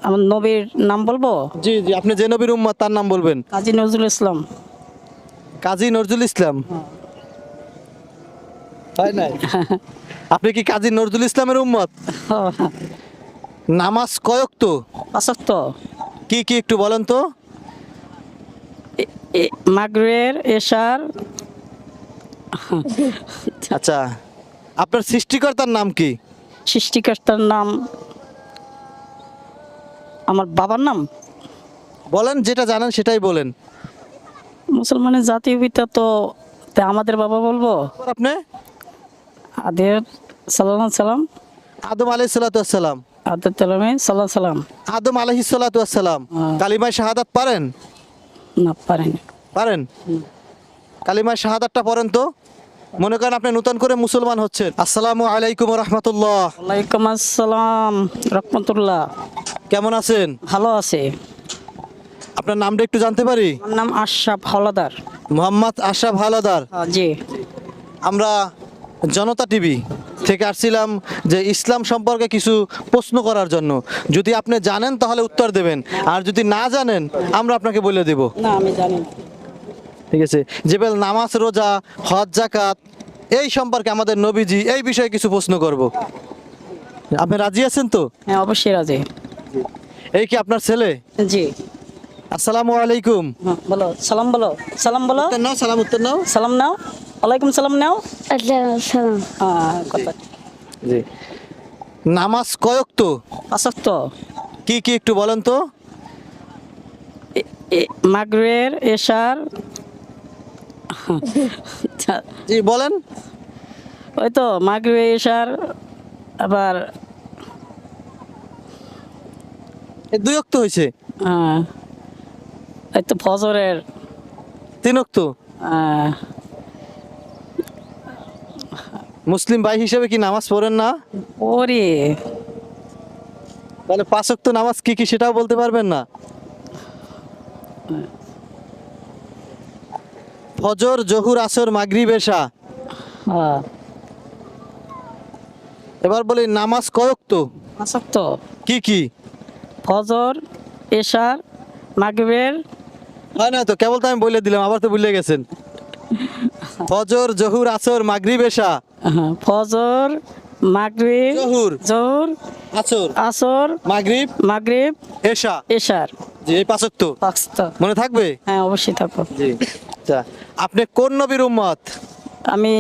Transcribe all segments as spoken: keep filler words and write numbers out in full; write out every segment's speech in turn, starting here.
আমার নবীর নাম বলবো? জি জি, আপনি যে নবীর উম্মত তার নাম বলবেন। কাজী নজরুল ইসলাম। কাজী নজরুল ইসলাম? তাই নাই? আপনি কি কাজী নজরুল ইসলামের উম্মত? নামাজ কয় ওয়াক্ত? পাঁচ ওয়াক্ত। কি কি একটু বলেন তো। মাগরিবের, এশার। আচ্ছা, আপনার সৃষ্টিকর্তার নাম কি? সৃষ্টিকর্তার নাম আমার বাবার নাম। বলেন, যেটা জানেন সেটাই বলেন। মুসলমানের জাতীয় পিতা তো তা আমাদের বাবা বলবো। আপনি? আদের সাল্লাল্লাহু আলাইহি সাল্লাম। আদম আলাইহিস সালাতু ওয়াস সালাম। আদের তেলামে সাল্লাল্লাহু সাল্লাম। আদম আলাইহিস সালাতু ওয়াস সালাম। হ্যাঁ। কালিমায়ে শাহাদাত পারেন? না, পারেনি। পারেন? কালিমায়ে শাহাদাতটা পড়েন তো। মনে করেন আপনি নতুন করে মুসলমান হচ্ছেন। আসসালামু আলাইকুম ওয়া রাহমাতুল্লাহ। ওয়ালাইকুম আসসালাম রাহমাতুল্লাহ। কেমন আছেন? ভালো আছে। আপনার নামটা একটু জানতে পারি? আমার নাম আশরাফ হাওলাদার। মোহাম্মদ আশরাফ হাওলাদার। আহ, জি। আমরা জনতা টিভি থেকে আসছিলাম যে ইসলাম সম্পর্কে কিছু প্রশ্ন করার জন্য। যদি আপনি জানেন তাহলে উত্তর দেবেন, আর যদি না জানেন আমরা আপনাকে বলে দেব। না, আমি জানি না। ঠিক আছে? যেবেল নামাজ, রোজা, হজ, যাকাত এই সম্পর্কে আমাদের নবীজি এই বিষয়ে কিছু প্রশ্ন করব। আপনি রাজি আছেন তো? হ্যাঁ, অবশ্যই রাজি। এই কি আপনার ছেলে? জি। আসসালামু আলাইকুম। হ্যাঁ, বলো সালাম, বলো সালাম, বলো উত্তর নাও, সালাম উত্তর নাও। সালাম নাও। ওয়ালাইকুম সালাম নাও। আসসালাম। হ্যাঁ, কথা। জি। নামাজ কয় ওয়াক্ত? পাঁচ ওয়াক্ত। কি কি একটু বলেন তো। মাগরিবের, এশার। জি বলেন। ওই তো মাগরিবের, এশার, আবার এই দুই ওয়াক্ত হয়েছে। আহ, এই তো ফজরের। তিন ওয়াক্ত। আহ, মুসলিম ভাই হিসেবে কি নামাজ পড়েন না? ওরে তাহলে পাঁচ ওয়াক্ত নামাজ কি কি সেটাও বলতে পারবেন না? ফজর, জহুর, আসর, মাগরিব, এশা। হ্যাঁ, এবার বলি নামাজ কয় ওয়াক্ত? পাঁচ ওয়াক্ত। কি কি? ফজর, এশার, মাগরিবের। হয় না তো, কেবল তো আমি বলে দিলাম, আবার তো ভুলে গেছেন। ফজর, জহুর, আসর, মাগরিব, এশা। হ্যাঁ, ফজর, মাগরিব, জহুর, জোহর, আসর, আসর, মাগরিব, মাগরিব, এশা। এশার। জি, এই পাঁচ ওয়াক্ত পাঁচটা। মনে থাকবে? হ্যাঁ, অবশ্যই থাকবো। জি। আচ্ছা, আপনি কোন নবীর উম্মত? আমি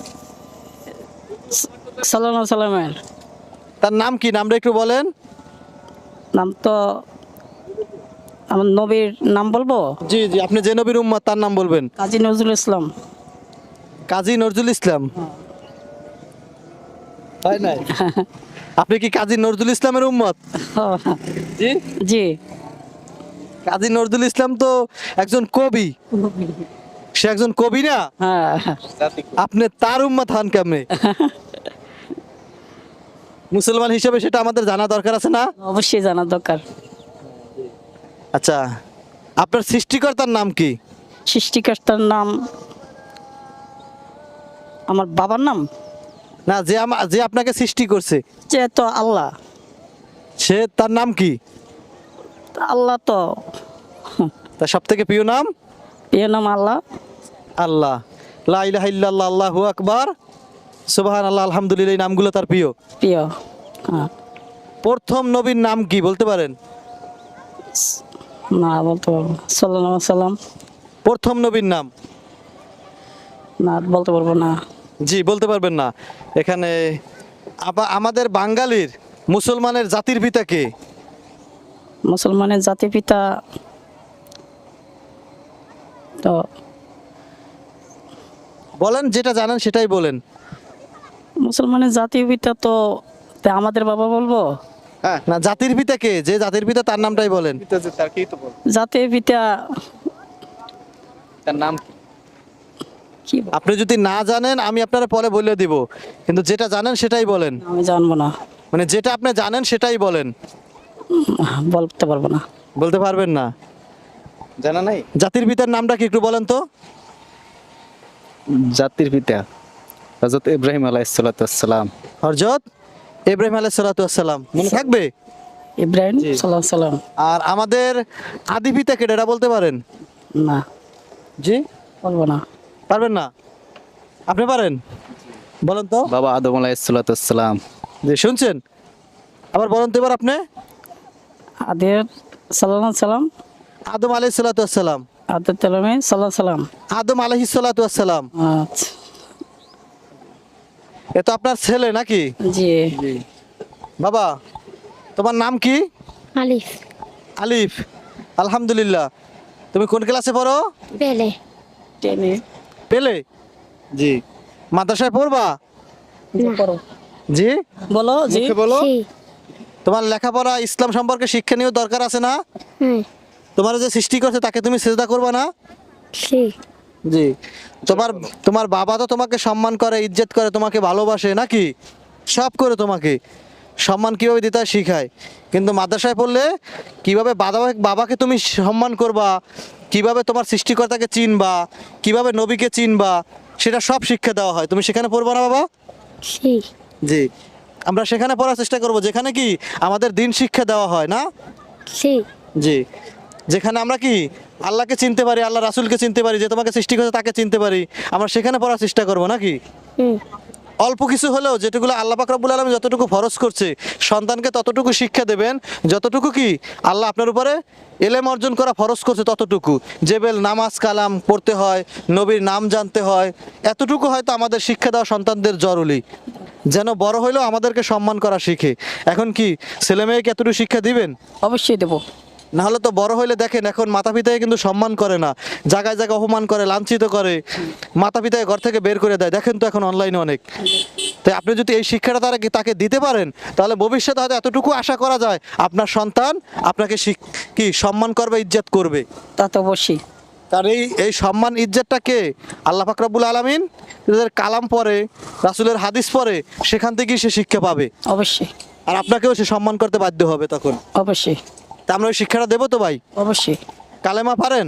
সাল্লাল্লাহু সাল্লামের। তার নাম কি? নামটা একটু বলেন। নাম তো আমার নবীর নাম বলবো? জি জি, আপনি যে নবীর উম্মত তার নাম বলবেন। কাজী নজরুল ইসলাম। কাজী নজরুল ইসলাম? তাই নাই? আপনি কি কাজী নজরুল ইসলামের উম্মত? জি জি। কাজী নজরুল ইসলাম তো একজন কবি। সে একজন কবি না? হ্যাঁ। আপনি তার উম্মত হন কেমনে? মুসলমান হিসেবে সেটা আমাদের জানা দরকার আছে না? অবশ্যই জানা দরকার। আচ্ছা, আপনার সৃষ্টিকর্তার নাম কি? সৃষ্টিকর্তার নাম আমার বাবার নাম। না, যে আমা- যে আপনাকে সৃষ্টি করছে যে তো আল্লাহ। সে তার নাম কি? আল্লাহ তো তার সব থেকে প্রিয় নাম? এ নাম আল্লাহ। আল্লাহ। লা ইলাহা ইল্লাল্লাহ, আল্লাহু আকবার, সুবহানাল্লাহ, আলহামদুলিল্লাহ, এই নামগুলো তার প্রিয়। প্রিয়। হ্যাঁ। প্রথম নবীর নাম কি বলতে পারেন? না, বলতে পারবো না। সাল্লাল্লাহু আলাইহি সাল্লাম। প্রথম নবীর নাম? না, বলতে পারবো না। জি, বলতে পারবেন না। এখানে আবা- আমাদের বাঙালির মুসলমানের জাতির পিতা কে? মুসলমানের জাতির পিতা তো বলেন, যেটা জানেন সেটাই বলেন। মুসলমানের জাতীয় পিতা তো তা আমাদের বাবা বলবো। হ্যাঁ, না, জাতির পিতা কে? যে জাতির পিতা তার নামটাই বলেন। জাতীয় পিতা তার নাম কি? কি বল- আপনি যদি না জানেন আমি আপনারা পরে বলে দিব, কিন্তু যেটা জানেন সেটাই বলেন। আমি জানবো না। মানে যেটা আপনি জানেন সেটাই বলেন। বলতে পারবো না। বলতে পারবেন না? জানা নাই? জাতির পিতার নামটা কি একটু বলেন তো। জাতির পিতা হযরত ইব্রাহিম আলাইহিস সালাতু ওয়াস সালাম। হযরত ইব্রাহিম আলাইহিস সালাতু ওয়াস সালাম। মনে থাকবে? ইব্রাহিম জি। সাল্লাহ সাল্লাম। আর আমাদের আদি পিতা কেটে এটা বলতে পারেন? না, জি, বলবো না। পারবেন না? আপনি পারেন? বলেন তো। বাবা আদম আলাইহিসসালাম। জি, শুনছেন? আবার বলেন তো এবার আপনি। আদের সাল্লাহ সাল্লাম, আদম আলাইহিস সালাতু ওয়াস সালাম। আদের তেলামে সাল্লাহ সাল্লাম। আদম আলাইহিস সালাতু ওয়াস সালাম। আচ্ছা, এ তো আপনার ছেলে নাকি? জি। বাবা, তোমার নাম কি? আলিফ আলিফ। আলহামদুলিল্লাহ। তুমি কোন ক্লাসে পড়ো? পেলে টেনে পেলে? জি। মাদ্রাসায় পড়বা? যে পড়ো। জি, বলো জি। মুখে বলো। সি তোমার লেখাপড়া ইসলাম সম্পর্কে শিক্ষা নিয়েও দরকার আছে না? হ্যাঁ তোমার যে সৃষ্টি করছে তাকে তুমি সেজদা করবা না? সি জি। তোমার তোমার বাবা তো তোমাকে সম্মান করে, ইজ্জত করে, তোমাকে ভালোবাসে নাকি? সব করে তোমাকে সম্মান কিভাবে দিতে হয় শিখায়। কিন্তু মাদ্রাসায় পড়লে কিভাবে বাবা বাবাকে তুমি সম্মান করবা, কিভাবে তোমার সৃষ্টিকর্তাকে চিনবা, কিভাবে নবীকে চিনবা, সেটা সব শিক্ষা দেওয়া হয়। তুমি সেখানে পড়বা না বাবা? সি জি। আমরা সেখানে পড়ার চেষ্টা করব যেখানে কি আমাদের দিন শিক্ষা দেওয়া হয় না? সি জি। যেখানে আমরা কি আল্লাহকে চিনতে পারি, আল্লাহ রাসূলকে চিনতে পারি, যে তোমাকে সৃষ্টি করেছে তাকে চিনতে পারি, আমরা সেখানে পড়ার চেষ্টা করব নাকি? হুম অল্প কিছু হলেও যেটুকুলো আল্লাহ পাক রব্বুল আলামিন যতটুকু ফরজ করছে সন্তানকে ততটুকু শিক্ষা দেবেন, যতটুকু কি আল্লাহ আপনার উপরে এলেম অর্জন করা ফরজ করছে ততটুকু। জেবেল নামাজ কালাম পড়তে হয়, নবীর নাম জানতে হয়, এতটুকু হয়তো আমাদের শিক্ষা দেওয়া সন্তানদের জরুরি, যেন বড় হইলেও আমাদেরকে সম্মান করা শিখে। এখন কি ছেলে মেয়েকে এতটুকু শিক্ষা দিবেন? অবশ্যই দেবো। না হলে তো বড় হইলে দেখেন এখন মাতা পিতাকে কিন্তু সম্মান করে না, জায়গায় জায়গায় অপমান করে, লাঞ্ছিত করে, মাতা পিতাকে ঘর থেকে বের করে দেয়। দেখেন তো এখন অনলাইনে অনেক। তাই আপনি যদি এই শিক্ষাটা তারা তাকে দিতে পারেন তাহলে ভবিষ্যতে হয়তো এতটুকু আশা করা যায় আপনার সন্তান আপনাকে শিখ- কি সম্মান করবে, ইজ্জত করবে। তা তো অবশ্যই। তার এই এই সম্মান ইজ্জতটা কে? আল্লাহ পাক রব্বুল আলামিন যাদের কালাম পড়ে, রাসূলের হাদিস পড়ে, সেখান থেকেই সে শিক্ষা পাবে। অবশ্যই আর আপনাকেও সে সম্মান করতে বাধ্য হবে তখন। অবশ্যই তা আমরা ওই শিক্ষাটা দেবো তো ভাই? অবশ্যই। কালেমা পারেন?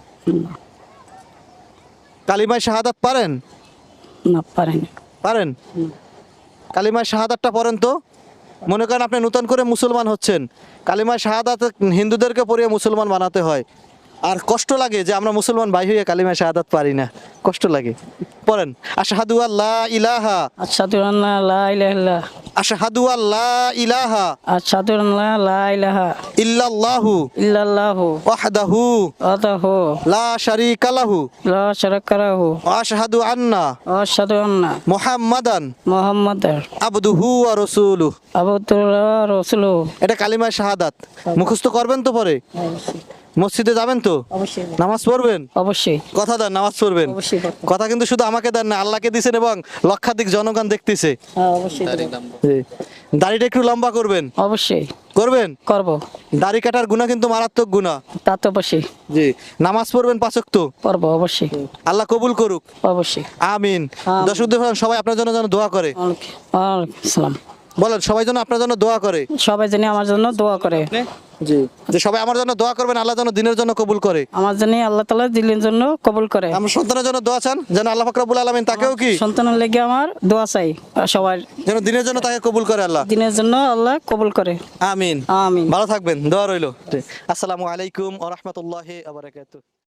কালিমায় শাহাদাত পারেন? না, পারেনি। পারেন? কালিমায় শাহাদাতটা পড়েন তো। মনে করেন আপনি নতুন করে মুসলমান হচ্ছেন, কালিমায় শাহাদাত হিন্দুদেরকে পড়িয়ে মুসলমান বানাতে হয়, আর কষ্ট লাগে যে আমরা মুসলমান ভাই হয়ে কালিমায় শাহাদাত পারি না, কষ্ট লাগে। পড়েন আশহাদু আল্লা ইলাহা, আশহাদু আন্না লা ইলাহা ইল্লাল্লাহ, আশহাদু আল্লা ইলাহা আশহাদু আন্না লা ইলাহা ইল্লাল্লাহু ইল্লাল্লাহু ওয়াহদাহু ওয়াহদাহু লা শারীকা লাহু লা শারীকা লাহু ওয়া আশহাদু আন্না ওয়া আশহাদু আন্না মুহাম্মাদান মুহাম্মাদার আবদুহু ওয়া রাসূলুহু। আবদুল্লাহ ওয়া রাসূলুহু। এটা কালিমায় শাহাদাত মুখস্থ করবেন তো পরে? মসজিদে যাবেন তো? অবশ্যই নামাজ পড়বেন? অবশ্যই কথা দেন নামাজ পড়বেন। অবশ্যই পড়বো। কথা কিন্তু শুধু আমাকে দেন না, আল্লাহকে দিছেন এবং লক্ষাধিক জনগণ দেখতেছে। হ্যাঁ, অবশ্যই দেবো। জি। দাড়িটা একটু লম্বা করবেন। অবশ্যই করবেন? করব। দাড়ি কাটার গুনাহ কিন্তু মারাত্মক গুনাহ। তা তো অবশ্যই জি। নামাজ পড়বেন পাঁচ ওয়াক্ত। করবো। অবশ্যই আল্লাহ কবুল করুক। অবশ্যই। আমিন। আমিন। দর্শক দেখুন, সবাই আপনার জন্য যেন দোয়া করে। ওয়ালাইকুম ওয়ালাইকুম আসসালাম। বলেন সবাই যেন আপনার জন্য দোয়া করে। সবাই জানি আমার জন্য দোয়া করে। জি। যে সবাই আমার জন্য দোয়া করবেন, আল্লাহ যেন দিনের জন্য কবুল করে। আমার জন্য আল্লাহ তাআলা দিলের জন্য কবুল করে। আমার সন্তানের জন্য দোয়া চান যেন আল্লাহ পাক রব্বুল আলামিন তাকেও কি সন্তানের লেগে আমার দোয়া চাই, আর সবার যেন দিনের জন্য তাকে কবুল করে আল্লাহ। দিনের জন্য আল্লাহ কবুল করে। আমিন। আমিন। ভালো থাকবেন, দোয়া রইল। আসসালামু আলাইকুম ওয়া রাহমাতুল্লাহি ওয়া বারাকাতুহু।